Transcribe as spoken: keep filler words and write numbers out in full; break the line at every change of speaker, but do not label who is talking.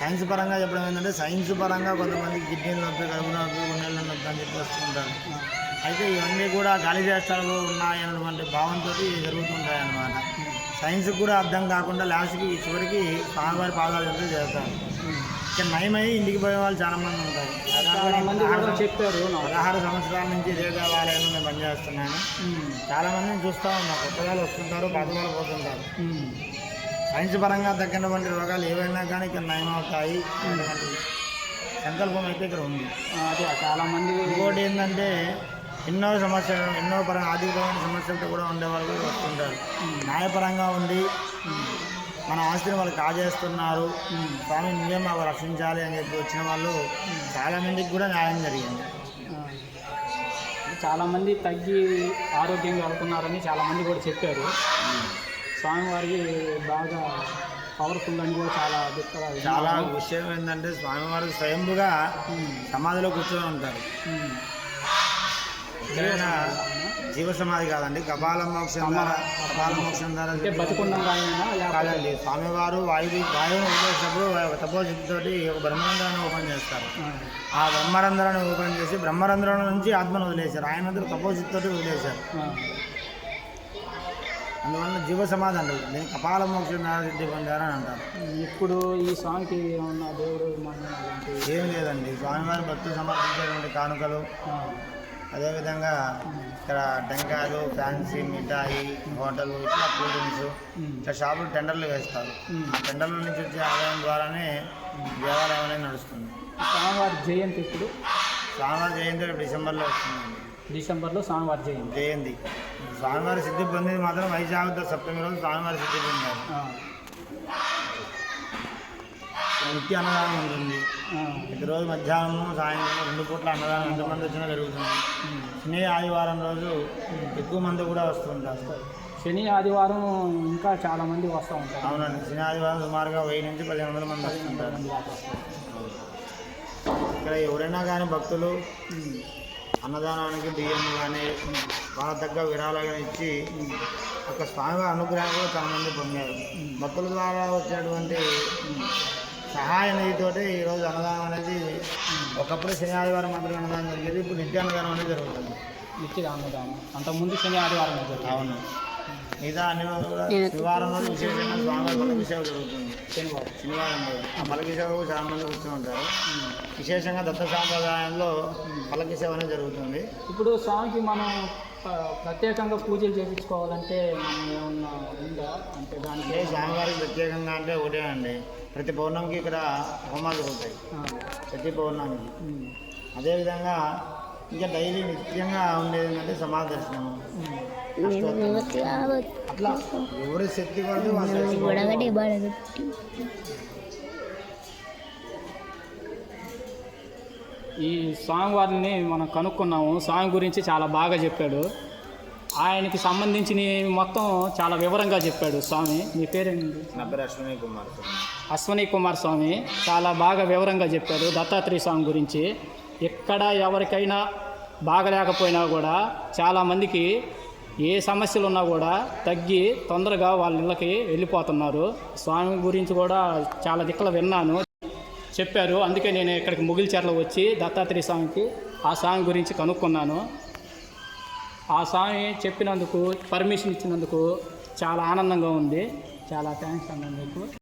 Science పరంగా చెప్పడం ఏంటంటే సైన్స్ పరంగా కొంతమంది కిడ్నీలు నొప్పి కడుపు నొప్పి గుండెల నొప్పి అని చెప్పి వస్తుంటారు. అయితే ఇవన్నీ కూడా గాలి చేష్టాలు ఉన్నాయన్నటువంటి భావంతో జరుగుతుంటాయి అన్నమాట. సైన్స్కి కూడా అర్థం కాకుండా లాస్ట్కి చివరికి స్వామివారి పాదాలు చెప్తే చేస్తారు. ఇక్కడ నయమై ఇంటికి పోయే వాళ్ళు చాలా మంది ఉంటారు.
చెప్పారు
పదహారు సంవత్సరాల నుంచి ఇదే దేవాలయంలో నేను పనిచేస్తున్నాను. చాలా మందిని చూస్తూ ఉన్నాను. కొత్త వాళ్ళు వస్తుంటారు, పాత వాళ్ళు పోతుంటారు. సైన్స్ పరంగా తగ్గినటువంటి రోగాలు ఏవైనా కానీ ఇక్కడ నయమవుతాయి అటువంటి సంకల్పం అయితే ఇక్కడ ఉంది.
అదే చాలామంది.
ఇంకోటి ఏంటంటే ఎన్నో సమస్యలు ఎన్నో పరంగా ఆర్థికపరమైన సమస్యలతో కూడా ఉండేవాళ్ళు కూడా వస్తుంటారు. న్యాయపరంగా ఉండి మన ఆస్తిని వాళ్ళు కాజేస్తున్నారు, స్వామి నువ్వే మాకు రక్షించాలి అని చెప్పి వచ్చిన వాళ్ళు చాలామందికి కూడా న్యాయం జరిగింది.
చాలామంది తగ్గి ఆరోగ్యంగా అవుతున్నారని చాలామంది కూడా చెప్పారు. స్వామివారికి బాగా పవర్ఫుల్ అని కూడా చాలా
చాలా విషయం ఏంటంటే స్వామివారికి స్వయంగా సమాధిలో కూర్చొని ఉంటారు. ఎక్కడైనా జీవ సమాధి కాదండి, కపాల మోక్షం ద్వారా కపాల మోక్షం ద్వారా కాదండి. స్వామివారు వాయు వాయువును వదిలేసినప్పుడు తపోశక్తితోటి ఒక బ్రహ్మరంధ్రాన్ని ఓపెన్ చేస్తారు. ఆ బ్రహ్మరంధ్రాన్ని ఓపెన్ చేసి బ్రహ్మరంధ్రం నుంచి ఆత్మను వదిలేశారు. ఆయన తపోశక్తితోటి వదిలేశారు. అందువల్ల జీవ సమాధి అంటారు. నేను కపాల మోక్షం సిద్ధి పొందారని అంటారు.
ఇప్పుడు ఈ స్వామికి ఉన్న దేవుడు
ఏం లేదండి. స్వామివారి భక్తులు సమర్పించేటువంటి కానుకలు, అదేవిధంగా ఇక్కడ టెంకాయలు, ఫ్యాన్సీ మిఠాయి, హోటల్, ఇట్లా కూల్ డ్రింక్స్, ఇట్లా షాపులు టెండర్లు వేస్తారు. ఆ టెండర్ల నుంచి వచ్చే ఆదాయం ద్వారానే దేవాలయం అనేది నడుస్తుంది.
స్వామివారి జయంతి ఇప్పుడు
స్వామివారి జయంతి డిసెంబర్లో వస్తుందండి.
డిసెంబర్లో స్వామివారి జయంతి
జయంతి స్వామివారి సిద్ధి పొందింది మాత్రం వైశాఖ సప్తమి రోజు స్వామివారి సిద్ధి పొందారు. నిత్య అన్నదానం ఉంటుంది. ప్రతిరోజు మధ్యాహ్నం సాయంత్రం రెండు పూట్ల అన్నదానం ఎంతమంది వచ్చినా జరుగుతుంది. శని ఆదివారం రోజు ఎక్కువ మంది కూడా వస్తుంటారు.
శని ఆదివారం ఇంకా చాలా మంది వస్తూ ఉంటారు.
అవునండి, శని ఆదివారం సుమారుగా వెయ్యి నుంచి పదిహేను వందల మంది వస్తుంటారు. ఇక్కడ ఎవరైనా కానీ భక్తులు అన్నదానానికి బియ్యం కానీ వాళ్ళ తగ్గ విరాళాలను ఇచ్చి ఒక స్వామివారి అనుగ్రహం కూడా చాలా మంది పొందారు. భక్తుల ద్వారా వచ్చేటువంటి సహాయ నిధితోటి ఈరోజు అన్నదానం అనేది ఒకప్పుడు శని ఆదివారం మాత్రమే అన్నదానం జరిగేది, ఇప్పుడు నిత్య అన్నదానం అనేది జరుగుతుంది.
నిత్య అన్నదానం అంతకుముందు శని ఆదివారం జరుగుతుంది.
అవును, మిగతా అన్ని రోజులు కూడా శనివారం రోజు విశేషంగా స్వామివారి పల్లకి సేవ జరుగుతుంది. శనివారం శనివారం రోజు ఆ పల్లకి సేవకు చాలా మంది కూర్చొని ఉంటారు. విశేషంగా దత్త సాంప్రదాయంలో పల్లకి సేవ అనేది జరుగుతుంది.
ఇప్పుడు స్వామికి మనం ప్రత్యేకంగా పూజలు చేయించుకోవాలంటే మనం ఏమన్నా ఉందా? అంటే దానికి
స్వామివారికి ప్రత్యేకంగా అంటే ఒకటే అండి, ప్రతి పౌర్ణమికి ఇక్కడ హోమాలు జరుగుతాయి. ప్రతి పౌర్ణమికి అదేవిధంగా ఇంకా డైలీ నిత్యంగా ఉండేది ఏంటంటే సమాధి దర్శనం. అట్లా ఎవరి శక్తి కొరకు
ఈ స్వామివారిని మనం కనుక్కున్నాము. స్వామి గురించి చాలా బాగా చెప్పాడు. ఆయనకి సంబంధించిన మొత్తం చాలా వివరంగా చెప్పాడు స్వామి. మీ పేరేంటి?
నా పేరు అశ్విని కుమార్ స్వామి.
అశ్విని కుమార్ స్వామి చాలా బాగా వివరంగా చెప్పాడు దత్తాత్రేయ స్వామి గురించి. ఎక్కడ ఎవరికైనా బాగలేకపోయినా కూడా చాలామందికి ఏ సమస్యలు ఉన్నా కూడా తగ్గి తొందరగా వాళ్ళ ఇళ్ళకి వెళ్ళిపోతున్నారు. స్వామి గురించి కూడా చాలా దిక్కులు విన్నాను, చెప్పారు. అందుకే నేను ఇక్కడికి ముగిల్చెర్ల వచ్చి దత్తాత్రేయ స్వామికి ఆ స్వామి గురించి కనుక్కున్నాను. ఆ స్వామి చెప్పినందుకు, పర్మిషన్ ఇచ్చినందుకు చాలా ఆనందంగా ఉంది. చాలా థ్యాంక్స్ అన్న మీకు.